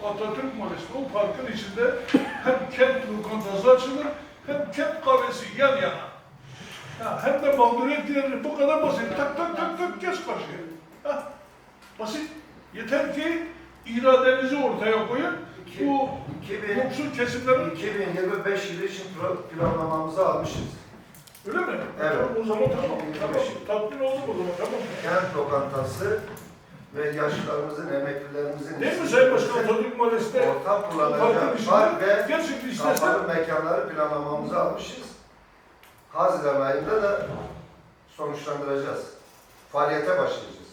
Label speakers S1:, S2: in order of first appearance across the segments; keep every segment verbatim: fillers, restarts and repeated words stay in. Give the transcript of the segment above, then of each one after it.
S1: Atatürk Mahallesi'nde o parkın içinde hem kent lokantası açılır hem kent kahvesi yan yana. Ya hem de mağduriyet diyelim bu kadar basit. Tak tak tak tak geç karşıya. Hah, basit. Yeter ki iradenizi ortaya koyun. Bu yoksul kesimlerin...
S2: iki bin yirmi beş yılı için planlamamızı almışız.
S1: Öyle mi?
S2: Evet.
S1: Tamam, o zaman tamam. Tamam. Tatmin oldum o zaman. Tamam.
S2: Kent lokantası ve yaşlılarımızın, emeklilerimizin...
S1: Değil mi Sayın Başkan Atatürk Mahallesi'nde?
S2: Ortak kullanacak park ve
S1: gerçekten istersen...
S2: kapalı mekanları planlamamızı almışız. Haziran ayında da sonuçlandıracağız. Faaliyete başlayacağız.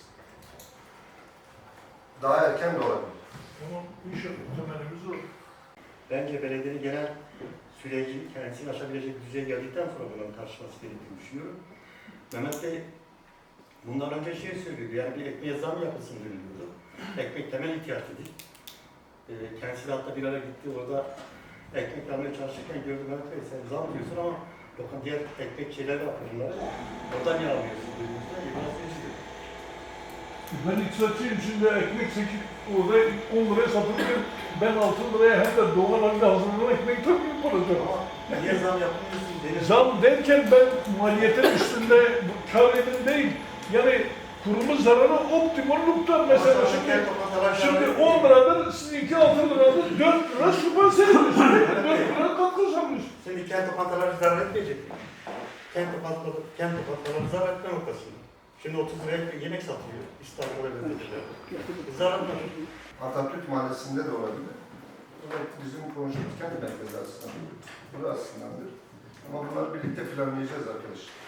S2: Daha erken de olabilir.
S1: Tamam, inşallah temelimiz o.
S3: Bence belediyenin genel süreci kendisini aşabilecek bir düzeye geldikten sonra bunun karşılaması gerektiğini düşünüyorum. Mehmet Bey bundan önce şey söylüyordu, yani bir ekmeğe zam yapılsın deniliyordu. Ekmek temel ihtiyaçtır. E, kendisi de hatta bir ara gitti, orada ekmek almaya çalışırken gördüm, Mehmet Bey sen zam diyorsun ama bakın diğer ekmek şeyler var bunları, oradan niye almıyorsun dediğimizde biraz değişti.
S1: Ben iktisatçıyım, şimdi ekmek sekiz, orada on liraya satılırken ben altı liraya hem de doğal halde hazırlanan ekmek tabii yapılacak.
S3: Ama niye zam yapmıyorsun denir.
S1: Zam derken ben maliyetin üstünde kâr edin değil, yani kurumun zararı optimumluktan mesela şimdi, şimdi on liradır, sizinki altı liradır, dört lira sübvanse ediyorsunuz, dört lira katkı sanıyorsunuz.
S3: Şimdi kent lokantaları zarar etmeyecek mi? Kent lokantaları, kent lokantaları zarar etme noktasında. Şimdi otuz liraya yemek satılıyor İstanbul'a ve bölgelerde. Zarar mı?
S2: Atatürk Mahallesi'nde de olabilir. Bu da bizim konuştuğumuz kendi merkezi aslında. Bu da aslındadır. Ama bunları birlikte planlayacağız arkadaşlar.